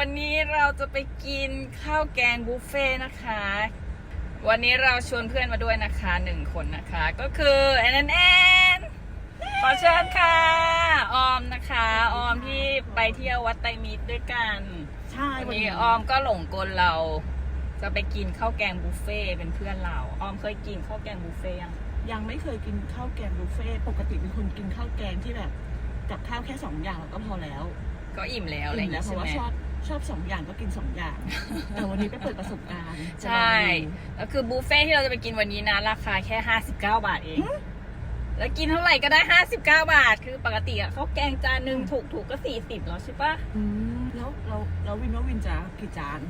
วันนี้เราจะไปกินข้าวแกงบุฟเฟ่นะคะ วันนี้เราชวนเพื่อนมาด้วยนะคะ1 คนนะคะ ก็คือแอนขอเชิญค่ะออมนะคะออมที่ไปเที่ยววัดไตรมิตรด้วยกันใช่วันนี้ออมก็หลงกลเราจะไปกินข้าวแกงบุฟเฟ่เป็นเพื่อนเราออมเคยกินข้าวแกงบุฟเฟ่ยังไม่เคยกินข้าวแกงบุฟเฟ่ปกติเป็นคนกินข้าวแกงที่แบบกับข้าวแค่2 อย่างก็พอแล้วก็อิ่มแล้วอะไรอย่างเงี้ยเพราะว่าชอบ2 อย่างก็กิน2 อย่างแต่วันนี้ไปเปิดประสบการณ์ใช่แล้วคือบุฟเฟ่ที่เราจะไปกินวันนี้นะราคาแค่59 บาทเองแล้วกินเท่าไหร่ก็ได้59 บาทคือปกติอะข้าวแกงจานหนึ่งถูกก็40แล้วใช่ปะแล้ววินจะกี่จาน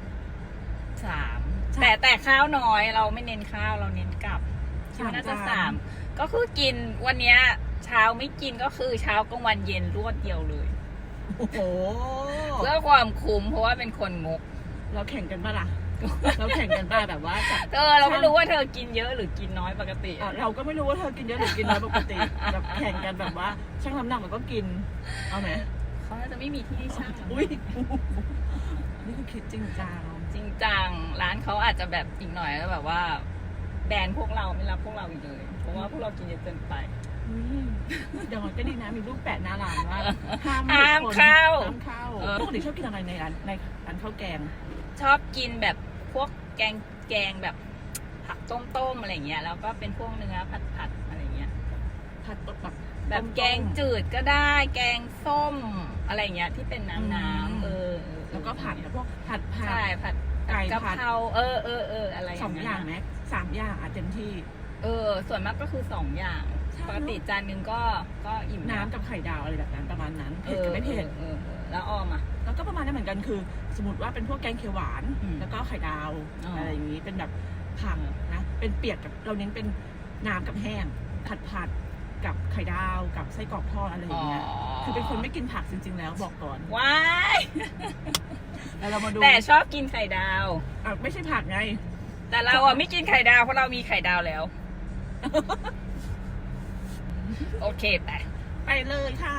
3แต่ข้าวน้อยเราไม่เน้นข้าวเราเน้นกับน่าจะ3ก็คือกินวันนี้เช้าไม่กินก็คือเช้ากลางวันเย็นรวดเดียวเลยโอ้โหเพื่อความคุ้มเพราะว่าเป็นคนงกเราแข่งกันป่ะล่ะเราแข่งกันป่ะแบบว่าเราไม่รู้ว่าเธอกินเยอะหรือกินน้อยปกติเราก็ไม่รู้ว่าเธอกินเยอะหรือกินน้อยปกติแบบแข่งกันแบบว่าช่างน้ำหนักมันก็กินเอาไหมเขาจะไม่มีที่ช่างอุ้ยนี่คือคิดจริงจังร้านเขาอาจจะแบบอีกหน่อยแล้วแบบว่าแบนพวกเราไม่รับพวกเราอีกเลยเพราะว่าพวกเรากินเยอะเกินไปเดี๋ยวมันก็ดีนะมีรูปแปะหน้าร้านว่าห้ามเข้าปกติชอบกินอะไรในร้านข้าวแกงชอบกินแบบพวกแกงแบบผักต้มอะไรเงี้ยแล้วก็เป็นพวกเนื้อผัดอะไรเงี้ยผัดแบบแกงจืดก็ได้แกงส้มอะไรเงี้ยที่เป็นน้ำแล้วก็ผัดพวกผัดใช่ผัดไก่กะเพราอะไร 2 อย่างไหม3 อย่างเต็มที่ส่วนมากก็คือ2 อย่างปกติจานนึงก็อิ่มน้ำกับไข่ดาวอะไรแบบนั้นประมาณนั้นเผ็ดกับไม่เผ็ดแล้วออมอ่ะแล้วก็ประมาณนั้นเหมือนกันคือสมมติว่าเป็นพวกแกงเขียวหวานแล้วก็ไข่ดาวอะไรอย่างนี้เป็นแบบผักนะเป็นเปียกกับเราเน้นเป็นน้ำกับแห้งผัดกับไข่ดาวกับไส้กรอกทอดอะไรอย่างเงี้ยคือเป็นคนไม่กินผักจริงๆแล้วบอกก่อนว้ายแล้วเรามาดูแต่ชอบกินไข่ดาวไม่ใช่ผักไงแต่เราไม่กินไข่ดาวเพราะเรามีไข่ดาวแล้วโอเคไปเลยค่ะ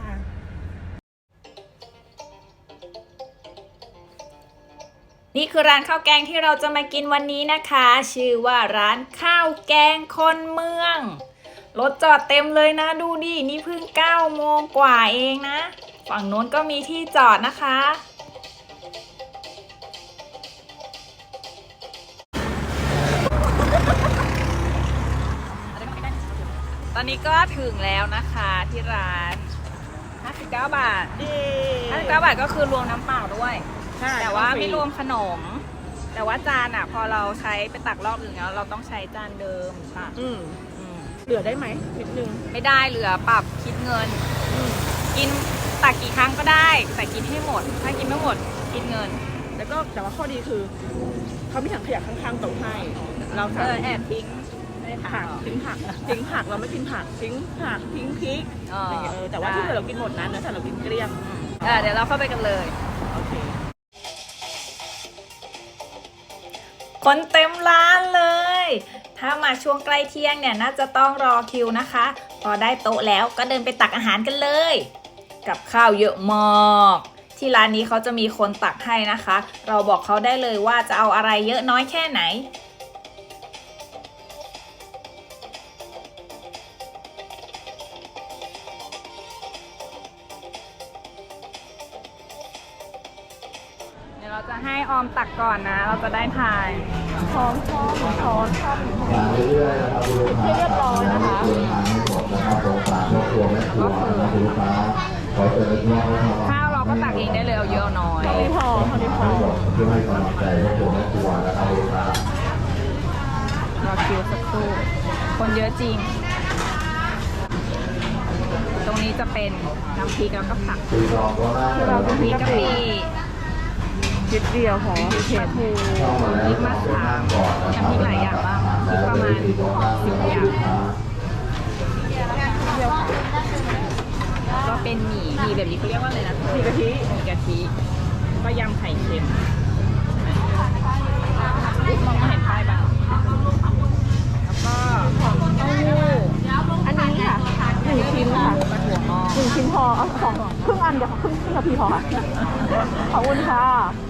นี่คือร้านข้าวแกงที่เราจะมากินวันนี้นะคะชื่อว่าร้านข้าวแกงคนเมืองรถจอดเต็มเลยนะดูดินี่เพิ่ง9 โมงกว่าเองนะฝั่งโน้นก็มีที่จอดนะคะตอนนี้ก็ถึงแล้วนะคะที่ร้าน59 บาท59 บาทก็คือรวมน้ำเปล่าด้วยแต่ว่าไม่รวมขนมแต่ว่าจานพอเราใช้ไปตักรอบนึงแล้วเราต้องใช้จานเดิมค่ะเหลือได้ไหมนิดนึงไม่ได้เหลือปรับคิดเงินกินตักกี่ครั้งก็ได้แต่กินให้หมดถ้ากินไม่หมดคิดเงินแล้วก็แต่ว่าข้อดีคือเขามีถังขยะข้างๆโต๊ะให้เราแอบทิ้งผักทิ้งผักเราไม่กินผักทิ้งผักทิ้งพริกแต่ว่าที่เหลือเรากินหมดนะแต่เรากินเกลี้ยงเดี๋ยวเราเข้าไปกันเลยโอเคคนเต็มร้านเลยถ้ามาช่วงใกล้เที่ยงเนี่ยน่าจะต้องรอคิวนะคะพอได้โต๊ะแล้วก็เดินไปตักอาหารกันเลยกับข้าวเยอะมากที่ร้านนี้เขาจะมีคนตักให้นะคะเราบอกเขาได้เลยว่าจะเอาอะไรเยอะน้อยแค่ไหนเราจะให้ออมตักก่อนนะเราจะได้ทายช้อนเรื่อยๆนะครับให้เรียบร้อยนะคะข้าวเราก็ตักเองได้เลยเอาเยอะน้อยเท่านี้พอเพื่อให้กำลังใจครอบครัวแม่ครัวนะครับรอคิวสักครู่คนเยอะจริงตรงนี้จะเป็นน้ำพริกแล้วก็ผักเราต้องมีกะปินิดเดียวของเผ็ดพริกมะขามน้ำพริกหลายอย่างบ้างพริกประมาณ10 อย่างก็เป็นหมี่แบบนี้เขาเรียกว่าอะไรนะหมี่กะทิก็ยำไข่เค็มมองไม่เห็นป้ายบ้างแล้วก็เต้าหู้อันนี้ค่ะ1 ชิ้นค่ะ1 ชิ้นพอเอา2ครึ่งอันเดี๋ยวครึ่งทัพพีพอค่ะขอบคุณค่ะ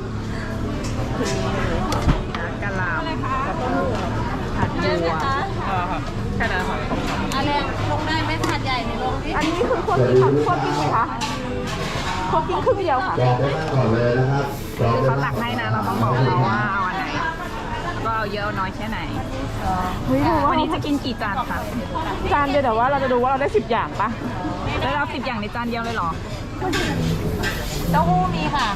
กะหล่ำผัดบัวแค่นั้นค่ะอะไรลงได้ไหมถาดใหญ่ในลงที่อันนี้คือคั่วกิ้งค่ะคั่วกิ้งไหมคะคั่วกิ้งครึ่งเดียวค่ะจองได้นั่งก่อนเลยนะครับจองคือได้เขาตันั่กงให้นะเราต้องบอกเขาว่าเอาอันไหนแล้วก็เอาเยอะเอาน้อยแค่ไหนเฮ้ยดูว่าวันนี้จะกินกี่จานคะจานเดียวแต่ว่าเราจะดูว่าเราได้10อย่างปะแล้วเรา10อย่างในจานเดียวเลยเหรอเต้าหู้มีค่ะ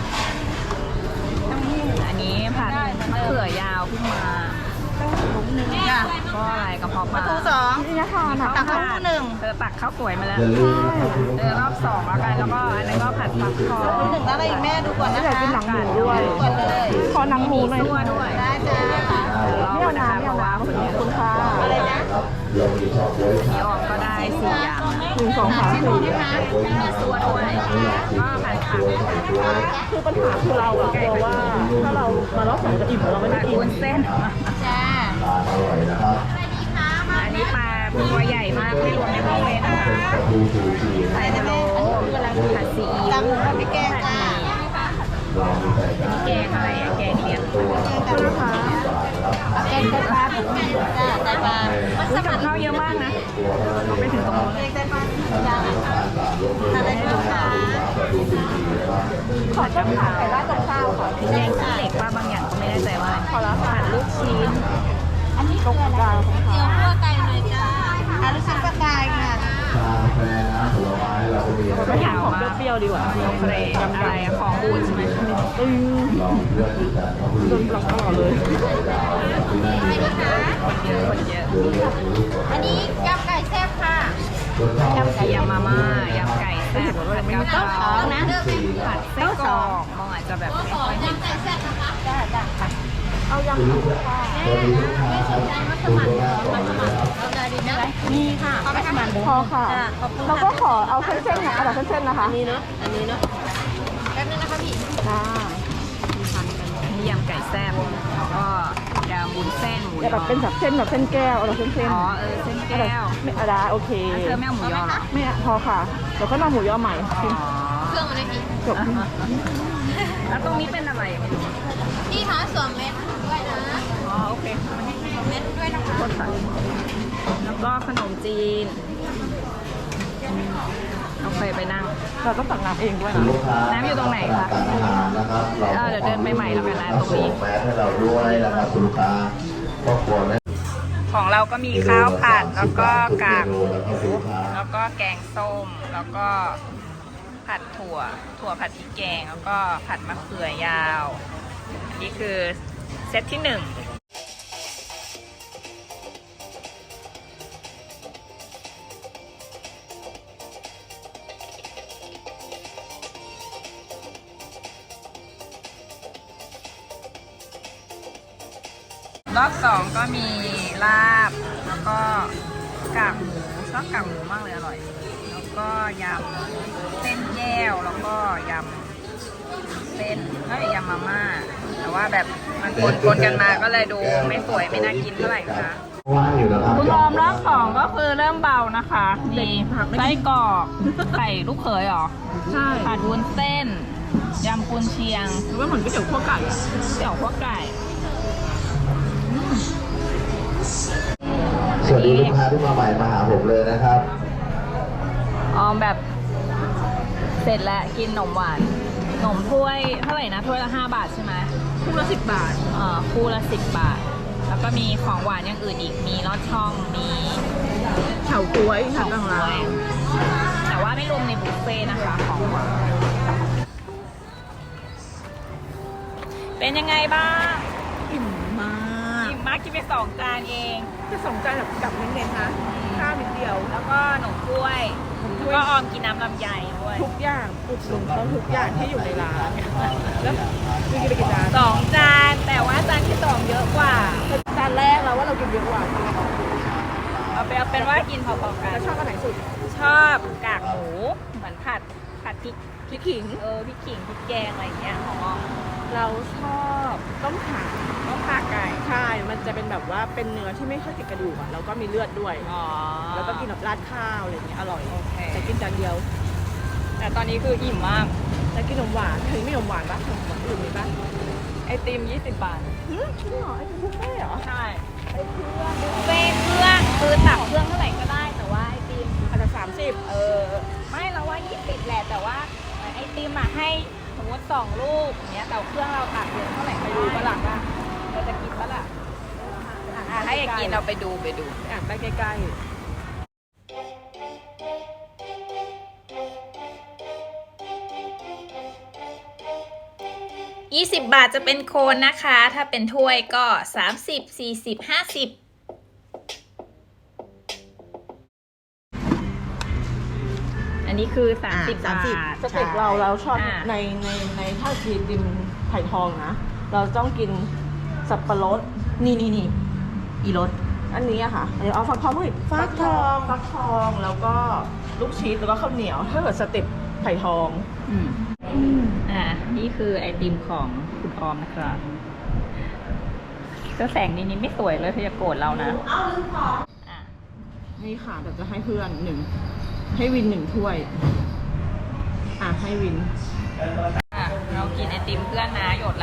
อันนี้ผัดมะเขือยาวเพิ่งมาจ้ะก็อะไรกระเพาะปลาทูสองนี่นะคะนะตักเต้าหู้หนึ่งเธอตักข้าวสวยมาแล้วอย่าลืมนะครับคุณลูกเจอรอบ2แล้วกันแล้วก็อันนั้นก็ผัดฟักทองหนึ่งแล้วอะไรอีกแม่ดูก่อนนะอยากคะกินหนังหมูด้วยก่อนเลยขอหนังหมูหน่อยตัวด้วยได้จ้ารอบนะคะเพราะว่าคนเยขอบอะคุณค่ะอะไรนะครับเรามีชอบไว้คพี่รับออกก็ได้4อย่าง 1 2 3 4 มีตัวด้วยก็ผัดผักคือปัญหาคือเราอะกลัวว่าถ้าเรามารอบ2จะอิ่มเราไม่ได้ผัดกินวุ้นเส้นจ้าทานอร่อยนะครับอันนี้ปลาตัวใหญ่มากไม่รวมในบุฟเฟ่ต์นะคะประตูสู่สี่ใส่พะโล้ผัดซีอิ๊ตักวหมูกับพริกแกงจ้าเรามีใส่กันแกงอะไรอะแกงเลียงตัวนะคะแกงไตปลาจ้าไตปลาอุ๊ยกับข้าวเยอะมากนะตัวเท่านั้นเองไปถึงตรงนู้นแกเลยงไตปลาจ้าจ้าทาน3ยกเลยนะครับประตูสู่สี่นะครับขอต้มขาไก่ราดกับข้าวค่ะแกงขี้เหล็กว่าบางอย่างก็ไม่แน่ใจว่าขอแล้วค่ะผัดลูกชิ้นอันนี้คืออะไรกลางของเจียวค่ะคั่วไก่เลยจ้าอาลูกชิ้นปลากายค่ะชากาแฟน้ำผลไม้เราก็มีนะคไม่รับอยากของเปรี้ยวๆดีกว่าโอเคอะไรอะของบูดใช่ไหมลองเลือกดูกันครับคุณโดนปลอกตลอดเลยไข่ดาวที่นั่นมีนะครับคนเยอะเดี๋ยวเลือกดูลูกก่อนอันนี้ยำไก่แซ่บค่ะยำมาม่ายำไก่แซ่บผัดกะเพรานะผัดไส้กรอกมองอาจจะแบบไม่ค่อยเห็นยำไก่แซ่บนะคะจ้าจ้าค่ะเอายำคุณลูกค้าสวัสดีลูกค้าครับคุณลูกค้าก่อนเลยนะครับเอาใจดีนะมีค่ะพอค่ะขอบคุณแล้วก็ขอเอาเส้นๆนะเอาแบบเส้นๆนะคะอันนี้เนาะอันนี้เนาะแป๊บนึงนะคะพี่จ้านี่ยำไก่แซ่บแล้วก็ยำวุ้นเส้นหมูอย่าแบบเป็นแบบเส้นแบบเส้นแก้วเอาแบบเส้นอ๋อเส้นๆแก้วไม่เอาได้โอเคเธอไม่เอาหมูยอเหรอไม่พอค่ะเดี๋ยวก็นำหมูยอใหม่อ๋อเครื่องอะไรพี่จบแล้วตรงนี้เป็นอะไรไม่รู้พี่คะสวมเม็ดด้วยนะอ๋อโอเคเม็ดด้วยนะคะโคตรใส่แล้วก็ขนมจีนโอเคไปนั่งเราต้องสั่งน้ำเองด้วยคุณนะลูกค้าน้ำอยู่ตรงไหนคะสั่งอาหารนะครับเดี๋ยวเดินไปใหม่แล้วกันนะตรงนี้ส่งแมสให้เราด้วยนะครับคุณลูกค้าครอบครัวแม่ของเราก็มีข้าวผัดแล้วก็กากหมูแล้วก็คุณลูกค้าแล้วก็แกงส้มแล้วก็ผัดถั่วผัดพริกแกงแล้วก็ผัดมะเขือยาวอันนี้คือเซตที่1รอบ2ก็มีลาบแล้วก็กากหมูชอบกากหมูมากเลยอร่อย แล้วก็ยำเส้นแก้วแล้วก็ยำเส้นยำมาม่าแต่ว่าแบบมันปนกันมาก็เลยดูไม่สวยไม่น่ากินเท่าไหร่นะคะว่างอยู่นะครับคุณออมรอบ2ก็คือเริ่มเบานะคะมีไส้กรอกไก่ลูกเขยเหรอใช่ผัดวุ้นเส้นยำกุนเชียงหรือว่าเหมือนก๋วยเตี๋ยวคั่วไก่อะเสี่ยวพวกไก่สวัสดีลูกค้าที่มาใหม่มาหาผมเลยนะครับออมแบบเสร็จแล้วกินขนมหวานขนมถ้วยเท่าไหร่นะถ้วยละ5 บาทใช่ไหมคู่ละ10 บาทคู่ละ10 บาท แล้วก็มีของหวานอย่างอื่นอีกมีลอดช่องมีเฉาก๊วยค่ะของต่างกล้วยแต่ว่าไม่รวมในบุฟเฟ่ต์นะคะของหวานเป็นยังไงบ้างๆอิ่มมากอิ่มมากกินไป2 จานเองจะสองจานแบบเน้นๆนะข้าวนิดเดียวแล้วก็ขนมกล้วยแล้วก็ออมกินน้ำลำไยด้วยทุกอย่างอุดหนุนเขาทุกอย่างที่อยู่ในร้านแล้วมีกินไปกี่จาน 2 จานแต่ว่าจานที่2เยอะกว่าจานแรกเราว่าเรากินเยอะกว่าเอาเป็นว่ากินพอๆกันแล้วชอบอันไหนสุดชอบกากหมูเหมือนผัดพริกพริกขิงพริกขิงพริกแกงอะไรอย่างเงี้ยของออมเราชอบต้มข่าก็ขาไก่ใช่มันจะเป็นแบบว่าเป็นเนื้อที่ไม่ค่อยติดกระดูกอ่ะแล้วก็มีเลือดด้วยอ๋อแล้วก็กินแบบราดข้าวอะไรอย่างเงี้ยอร่อยโอเคแต่กินจานเดียวแต่ตอนนี้คืออิ่มมากจะกินขนมหวานเคยมีขนมหวานปะขนมหวานอื่นมีปะไอติม20 บาทจริงเหรอไอติมบุฟเฟ่ต์เหรอใช่บุฟเฟ่ต์เครื่องคือตักเครื่องเท่าไหร่ก็ได้แต่ว่าไอติมอาจจะ30 ไม่เราว่า20แหละแต่ว่าไอติมอ่ะให้สมมติ2 ลูกอย่างเงี้ยแต่เครื่องเราตักเยอะเท่าไหร่ไปดูปะล่ะเราจะกินปะล่ะให้กินเราไปดูอ่ะไปใกล้ 20 บาทจะเป็นโคนนะคะ ถ้าเป็นถ้วยก็30 40 50อันนี้คือ30 บาทๆสเต็กเราชอบอ่าในถ้ากินติมไผ่ทองนะ เราต้องกินสับปะรดนี่อีรสอันนี้อะค่ะเดี๋ยวเอาฟักทองด้วยฟักทองแล้วก็ลูกชีสแล้วก็ข้าวเหนียวถ้าเกิดสเต็ปไผ่ทองนี่คือไอติมของคุณออมนะครับก็แสงนี้ไม่สวยเลยเธอจะโกรธเรานะนี่ค่ะเดี๋ยวจะให้เพื่อนให้วิน1 ถ้วยให้วินเรากินไอติมเพื่อนนะหยดละ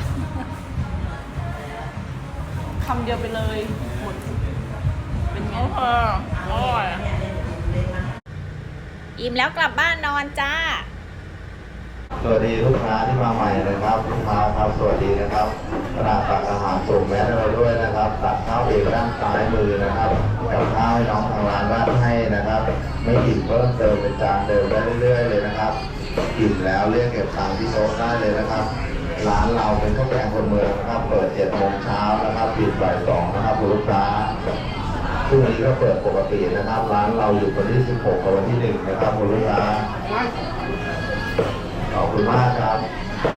คำเดียวไปเลยหมดเป็นไงอร่อยอิ่มแล้วกลับบ้านนอนจ้าสวัสดีลูกค้าที่มาใหม่นะครับลูกค้าครับสวัสดีนะครับขณะตักอาหารส่งแมสให้เราด้วยนะครับตักข้าวเองด้านซ้ายมือนะครับกับข้าวให้น้องทางร้านราดให้นะครับ ไม่อิ่มเพิ่มเติมเป็นจานเดิมได้เรื่อยๆเลยนะครับอิ่มแล้วเรียกเก็บตังค์ที่โต๊ะได้เลยนะครับ ร้านเราเป็นข้าวแกงคนเมืองนะครับเปิด7 โมงเช้านะครับปิดบ่าย 2นะครับคุณลูกค้าพรุ่งนี้ก็เปิดปกตินะครับ ร้านเราอยู่วันที่ 16 กับวันที่ 1 นะครับคุณลูกค้าขอบคุณมากครับ